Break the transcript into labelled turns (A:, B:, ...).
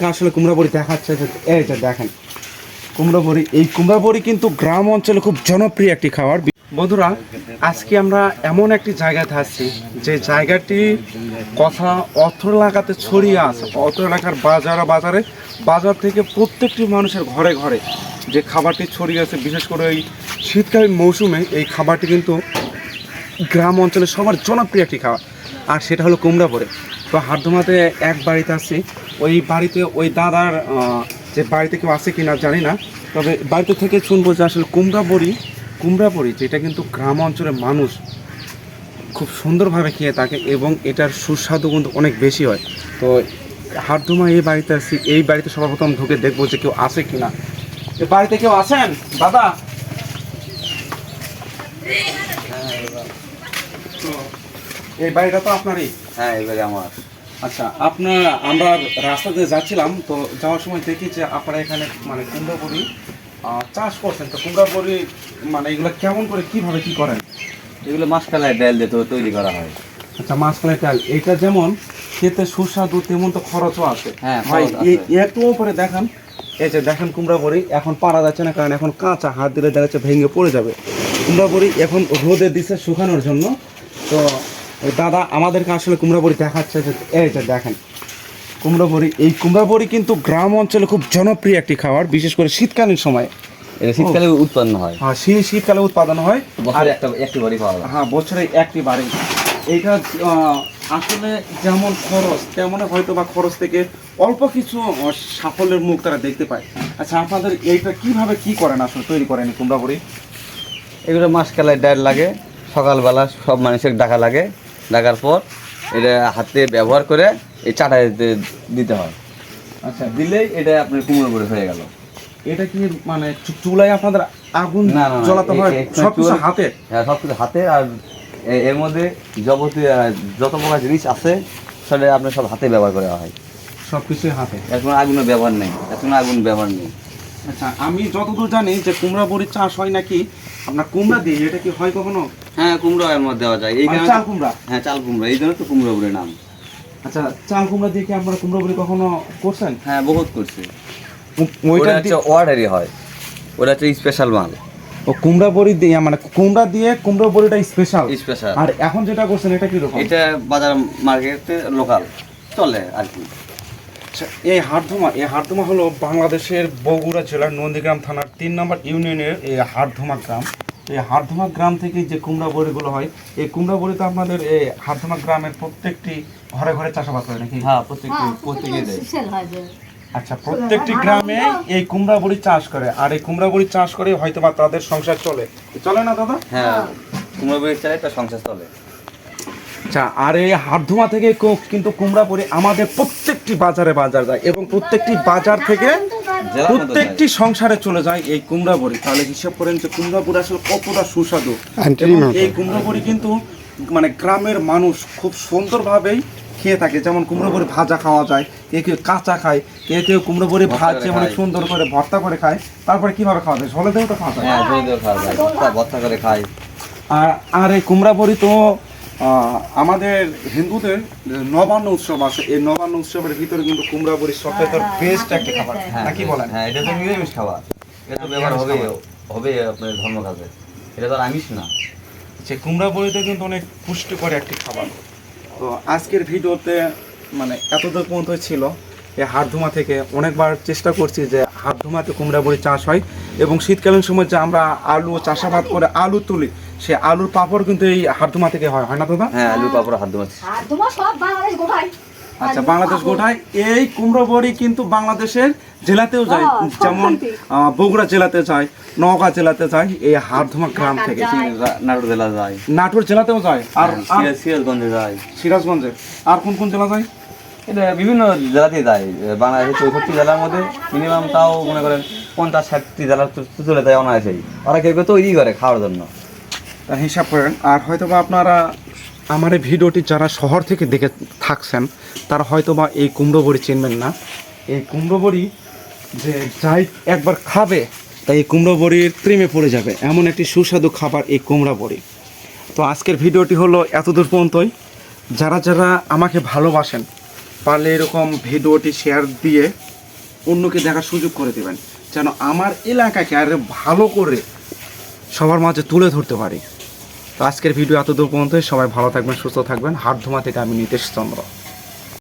A: আসলে কুমড়া বড়ি দেখাচ্ছে যে এই যে দেখেন কুমড়া বড়ি। এই কুমড়া বড়ি কিন্তু গ্রাম অঞ্চলে খুব জনপ্রিয় একটি খাবার। বন্ধুরা, আজকে আমরা এমন একটি জায়গাতে আছি যে জায়গাটি কথা অত্র এলাকাতে ছড়িয়ে আছে। অত্র এলাকার বাজার থেকে প্রত্যেকটি মানুষের ঘরে ঘরে যে খাবারটি ছড়িয়ে আছে, বিশেষ করে এই শীতকালীন মৌসুমে এই খাবারটি কিন্তু গ্রাম অঞ্চলে সবার জনপ্রিয় একটি খাবার, আর সেটা হলো কুমড়া বড়ি। তো হাটধুমাতে এক বাড়িতে আসছি, ওই বাড়িতে ওই দাদার যে বাড়িতে কেউ আছে কিনা জানি না, তবে বাড়িতে থেকে শুনবো যে আসলে কুমড়া বড়ি যেটা কিন্তু গ্রাম অঞ্চলের মানুষ খুব সুন্দরভাবে খেয়ে থাকে এবং এটার সুস্বাদু কিন্তু অনেক বেশি হয়। তো হাটধুমা এই বাড়িতে আসছি, এই বাড়িতে সর্বপ্রথম ঢুকে দেখবো যে কেউ আছে কিনা। এ বাড়িতে কেউ আছেন দাদা? এই বাড়িটা তো আপনারই?
B: হ্যাঁ, এবারে আমার।
A: আচ্ছা, আমরা রাস্তাতে যাচ্ছিলাম, তো যাওয়ার সময় দেখি যে আপনারা এখানে মানে কুমড়া বড়ি চাষ করছেন। তো কুমড়া বড়ি মানে এগুলো কেমন করে কিভাবে কি করেন?
B: এগুলো মাসকালায় ডাল দিয়ে তৈরি করা হয়।
A: আচ্ছা, মাসকলাই ডাল, এটা যেমন খেতে সুস্বাদু তেমন তো খরচও আছে।
B: হ্যাঁ
A: ভাই একটু উপরে দেখান, এই যে দেখেন কুমড়া বড়ি এখন পারা যাচ্ছে না, কারণ এখন কাঁচা, হাত দিলে দেখা যাচ্ছে ভেঙে পড়ে যাবে। কুমড়া বড়ি এখন রোদে দিচ্ছে শুকানোর জন্য। তো ওই দাদা আমাদেরকে আসলে কুমড়া বড়ি দেখাচ্ছে যে এই যে দেখেন কুমড়া বড়ি। এই কুমড়া বড়ি কিন্তু গ্রাম অঞ্চলে খুব জনপ্রিয় একটি খাবার, বিশেষ করে শীতকালীন সময়ে।
B: এটা শীতকালে উৎপন্ন হয়।
A: হ্যাঁ, শীতকালে উৎপাদন হয়।
B: আর একটি বাড়ি পাওয়া যায়।
A: হ্যাঁ, বছরে একটি বাড়ি। এইটা আসলে যেমন খরচ তেমন হয়তো বা খরচ থেকে অল্প কিছু সাফল্যের মুখ তারা দেখতে পায়। আচ্ছা, আপনাদের এইটা কিভাবে কি করেন আসলে তৈরি করেন কুমড়া বড়ি?
B: এগুলো মাসকালায় ডাল লাগে, সকালবেলা সব মানুষের ডাকা লাগে, ডাকার পর এটা হাতে ব্যবহার করে এই চাটায় দিতে হয়।
A: আচ্ছা,
B: দিলেই এটা আপনার কুমড়ো বড়ি হয়ে গেল।
A: এটা কি মানে চুলায় আপনাদের আগুন
B: না,
A: জ্বালাতে হয়? সব কিছু হাতে?
B: হ্যাঁ, সব কিছু হাতে। আর এর মধ্যে যত প্রকার জিনিস আছে সেটা আপনার সব হাতে ব্যবহার করা হয়।
A: সব কিছুই হাতে,
B: এখন আগুনের ব্যবহার নেই, আগুন ব্যবহার নেই।
A: আচ্ছা, আমি যতদূর জানি যে কুমড়া বড়ির চাষ হয় নাকি আপনার কুমড়া দিয়ে, এটা কি হয় কখনো?
B: হ্যাঁ, কুমড়ো এর মধ্যে দেওয়া যায়। এই
A: চাল কুমড়া?
B: হ্যাঁ, চাল কুমড়া, এই জন্য তো কুমড়ো বড়ির নাম।
A: আচ্ছা, চাল কুমড়া দিয়ে কি আপনারা কুমড়া বড়ি কখনো করছেন?
B: হ্যাঁ, বহুত করছি।
A: ওইটা
B: হচ্ছে অর্ডারই হয়, ওটা হচ্ছে স্পেশাল মাল।
A: ও কুমড়া বড়ি দিয়ে মানে কুমড়া দিয়ে কুমড়া বড়িটা স্পেশাল।
B: আর
A: এখন যেটা করছেন এটা কি রকম?
B: এটা বাজার মার্কেটে লোকাল চলে আর কি।
A: আচ্ছা, এই হাটধুমা হলো বাংলাদেশের বগুড়া জেলার নন্দীগ্রাম থানার 3 নম্বর ইউনিয়নের এই হাটধুমা গ্রাম। এই হাটধুমা গ্রাম থেকে যে কুমড়া বড়িগুলো হয়, এই কুমড়া বড়ি তো আপনাদের এই হাটধুমা গ্রামের প্রত্যেকটি ঘরে ঘরে চাষাবাদ করে নাকি?
B: হ্যাঁ, প্রত্যেকে দেয়।
A: আচ্ছা, প্রত্যেকটি গ্রামে এই কুমড়া বড়ি চাষ করে, আর এই কুমড়া বড়ি চাষ করে হয়তো বা তাদের সংসার চলে না দাদা?
B: হ্যাঁ, কুমড়ো বড়ি চাই তার সংসার চলে।
A: আচ্ছা, আর এই হাটধুমা থেকে কিন্তু কুমড়া বড়ি আমাদের প্রত্যেকটি বাজার যায় এবং প্রত্যেকটি বাজার থেকে প্রত্যেকটি সংসারে চলে যায় এই কুমড়া বড়ি। তাহলে হিসাব করেন যে কুমড়া বড়ি আসলে কতটা সুস্বাদু। এই কুমড়া বড়ি কিন্তু মানে গ্রামের মানুষ খুব সুন্দরভাবেই খেয়ে থাকে। যেমন কুমড়ো বড়ি ভাজা খাওয়া যায়, কেউ কাঁচা খায়, কেউ কুমড়ো বড়ি ভাজে মানে সুন্দর করে ভর্তা করে খায়। তারপরে কিভাবে খাওয়া যায়? ঝোলে দিয়েও তো খাওয়া যায়।
B: হ্যাঁ, ঝোলে দিয়েও খাওয়া যায়, ভর্তা করে খায়।
A: আর এই কুমড়া বড়ি তো আমাদের হিন্দুদের নবান্ন উৎসব আছে, এই নবান্ন উৎসবের ভিতরে কিন্তু কুমড়া বড়ি সবথেকে বেস্ট একটা খাবার, নাকি বলেন?
B: হ্যাঁ, এটা তো নিরামিষ খাবার, এটা ব্যবহার হবে আপনার ধর্ম কাজে, এটা তো আমিষ না।
A: যে কুমড়া বড়িতে কিন্তু অনেক পুষ্টিকর একটি খাবার। তো আজকের ভিডিওতে মানে এতদূর পর্যন্ত ছিল। এই হাটধুমা থেকে অনেকবার চেষ্টা করছি যে হাটধুমাতে কুমড়া বড়ি চাষ হয় এবং শীতকালীন সময় যে আমরা আলু চাষাবাদ করে আলু তুলি, সে আলুর পাপড় কিন্তু এই হাটধুমা থেকে হয় না দাদা?
B: হ্যাঁ, আলুর পাপড় হাটধুমা।
A: আচ্ছা, বাংলাদেশ গোটায় এই কুমড়ো বড়ি কিন্তু বাংলাদেশের জেলাতেও যায়, যেমন বগুড়া জেলাতে যায়, নওগাঁ জেলাতে যায় এই হাটধুমা গ্রাম থেকে।
B: নাটোর জেলা যায়,
A: নাটোর জেলাতেও যায়, আর
B: সিরাজগঞ্জে যায়।
A: সিরাজগঞ্জে আর কোন জেলা যায়?
B: এটা বিভিন্ন জেলাতে যায়। বাংলাদেশের 64 জেলার মধ্যে মিনিমাম তাও মনে করেন 50-60টি জেলা চলে যায় অনায়াসেই। ওরা কেউ তৈরি করে খাওয়ার জন্য,
A: হিসাব করেন। আর হয়তো বা আপনারা আমার এই ভিডিওটি যারা শহর থেকে দেখে থাকছেন তারা হয়তো বা এই কুমড়ো বড়ি চিনবেন না। এই কুমড়ো বড়ি যে যাই একবার খাবে তাই এই কুমড়ো বড়ির প্রেমে পড়ে যাবে, এমন একটি সুস্বাদু খাবার এই কুমড়া বড়ি। তো আজকের ভিডিওটি হলো এতদূর পর্যন্তই। যারা আমাকে ভালোবাসেন পারলে এরকম ভিডিওটি শেয়ার দিয়ে অন্যকে দেখার সুযোগ করে দেবেন, যেন আমার এলাকাকে আরো ভালো করে সবার মাঝে তুলে ধরতে পারি। তো আজকের ভিডিও এতদূর পর্যন্ত। সবাই ভালো থাকবেন, সুস্থ থাকবেন। হাটধুমা থেকে আমি নীতেশ চন্দ্র।